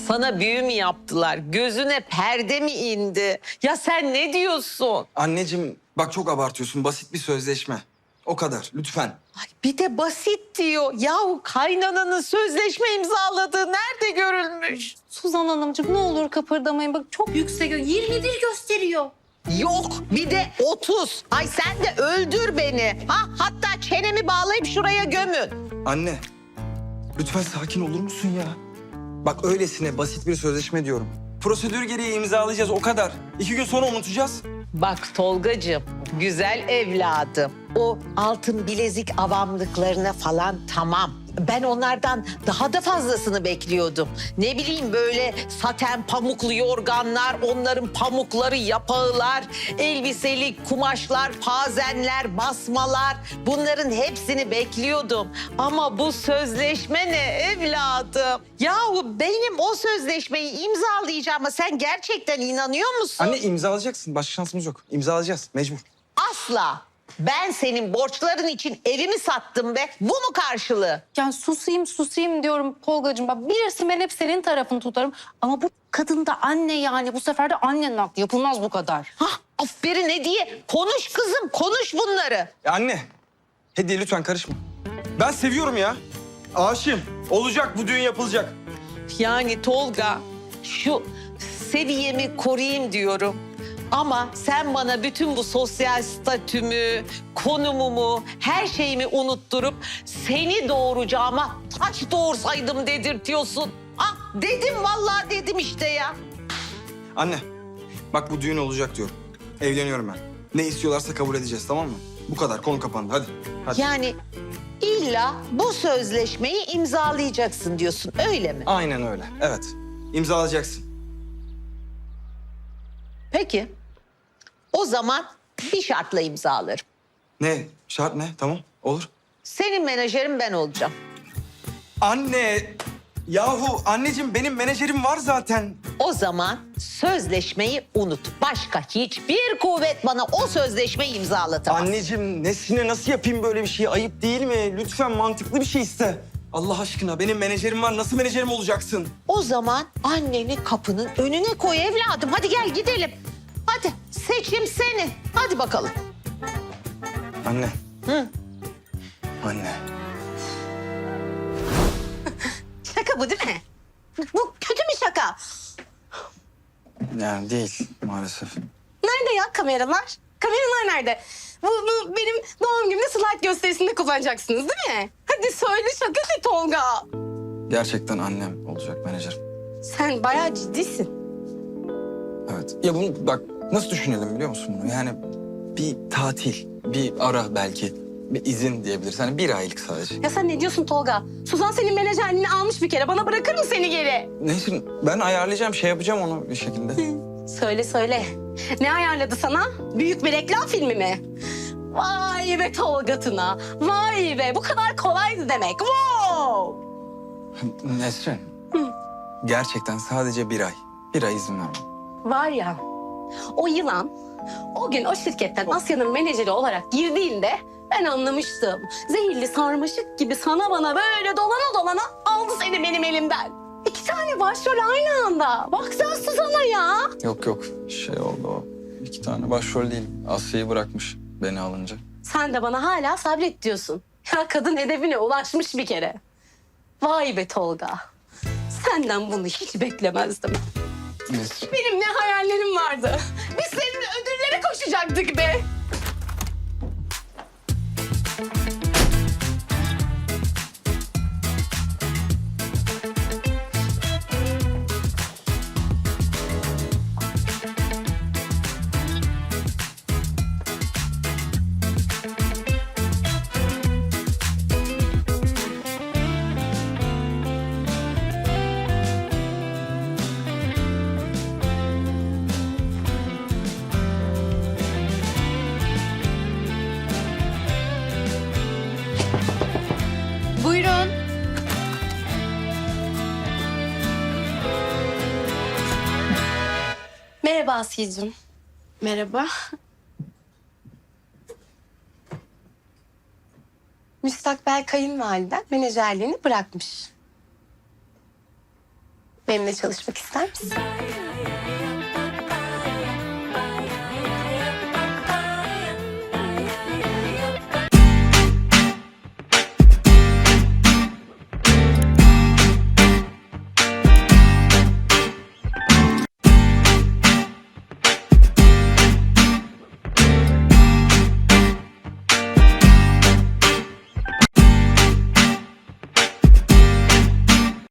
Sana büyü mü yaptılar? Gözüne perde mi indi? Ya sen ne diyorsun? Anneciğim bak çok abartıyorsun. Basit bir sözleşme. O kadar lütfen. Ay bir de basit diyor. Yahu kaynananın sözleşme imzaladığı nerede görülmüş? Suzan Hanımcığım ne olur kıpırdamayın. Bak çok yüksek. 21 gösteriyor. Yok bir de 30. Ay sen de öldür beni. Hatta çenemi bağlayıp şuraya gömün. Anne lütfen sakin olur musun ya? Bak öylesine basit bir sözleşme diyorum. Prosedür gereği imzalayacağız o kadar. 2 gün sonra unutacağız. Bak Tolgacığım, güzel evladım. O altın bilezik avamlıklarına falan tamam. Ben onlardan daha da fazlasını bekliyordum. Ne bileyim böyle saten pamuklu yorganlar, onların pamukları, yapağılar, elbiseli kumaşlar, pazenler, basmalar. Bunların hepsini bekliyordum. Ama bu sözleşme ne evladım? Yahu benim o sözleşmeyi imzalayacağıma sen gerçekten inanıyor musun? Anne imzalayacaksın. Başka şansımız yok. İmzalayacağız mecbur. Asla. Ben senin borçların için evimi sattım be. Bu mu karşılığı? Yani susayım diyorum Tolgacığım. Bak bilirsin ben hep senin tarafını tutarım. Ama bu kadın da anne yani. Bu sefer de annenin aklı. Yapılmaz bu kadar. Hah, aferin Hediye. Konuş kızım, konuş bunları. Ya anne. Hediye lütfen karışma. Ben seviyorum ya. Aşığım. Olacak bu düğün yapılacak. Yani Tolga, şu seviyemi koruyayım diyorum. Ama sen bana bütün bu sosyal statümü, konumumu, her şeyimi unutturup seni doğuracağıma taş doğursaydım dedirtiyorsun. Ah dedim vallahi dedim işte ya. Anne bak bu düğün olacak diyorum. Evleniyorum ben. Ne istiyorlarsa kabul edeceğiz tamam mı? Bu kadar konu kapandı hadi. Hadi. Yani illa bu sözleşmeyi imzalayacaksın diyorsun öyle mi? Aynen öyle. Evet. İmzalayacaksın. Peki. O zaman bir şartla imzalarım. Ne? Şart ne? Tamam. Olur. Senin menajerin ben olacağım. Anne! Yahu anneciğim benim menajerim var zaten. O zaman sözleşmeyi unut. Başka hiçbir kuvvet bana o sözleşmeyi imzalatamaz. Anneciğim nesine nasıl yapayım böyle bir şeyi? Ayıp değil mi? Lütfen mantıklı bir şey iste. Allah aşkına benim menajerim var. Nasıl menajerim olacaksın? O zaman anneni kapının önüne koy evladım. Hadi gel gidelim. Hadi seçim senin. Hadi bakalım. Anne. Hı. Anne. Şaka bu değil mi? Bu kötü bir şaka. Yani değil maalesef. Nerede ya kameralar? Kameralar nerede? Bu benim doğum günümde slide gösterisinde kullanacaksınız değil mi? Hadi söyle şaka de Tolga. Gerçekten annem olacak menajerim. Sen bayağı ciddisin. Evet. Ya bunu bak nasıl düşünelim biliyor musun bunu? Yani bir tatil, bir ara belki, bir izin diyebiliriz. Hani 1 aylık sadece. Ya sen ne diyorsun Tolga? Suzan senin menajerliğini almış bir kere. Bana bırakır mı seni geri? Neyse ben ayarlayacağım, şey yapacağım onu bir şekilde. Söyle. Ne ayarladı sana? Büyük bir reklam filmi mi? Vay be Tolga Tuna. Vay be bu kadar kolaydı demek. Wow! Nesrin, gerçekten sadece 1 ay. 1 ay izin vermem. Var ya o yılan o gün o şirketten Asya'nın menajeri olarak girdiğinde ben anlamıştım. Zehirli sarmaşık gibi sana bana böyle dolana aldı seni benim elimden. 2 tane başrol aynı anda. Bak sen Suzan'a ya. Yok şey oldu o. 2 tane başrol değil. Asya'yı bırakmış beni alınca. Sen de bana hala sabret diyorsun. Ya kadın hedefine ulaşmış bir kere. Vay be Tolga. Senden bunu hiç beklemezdim. Nesrin. Benim ne hayallerim vardı. Biz seninle ödüllere koşacaktık be. Buyurun. Merhaba Asiye'cim. Merhaba. Müstakbel kayınvaliden menajerliğini bırakmış. Benimle çalışmak ister misin?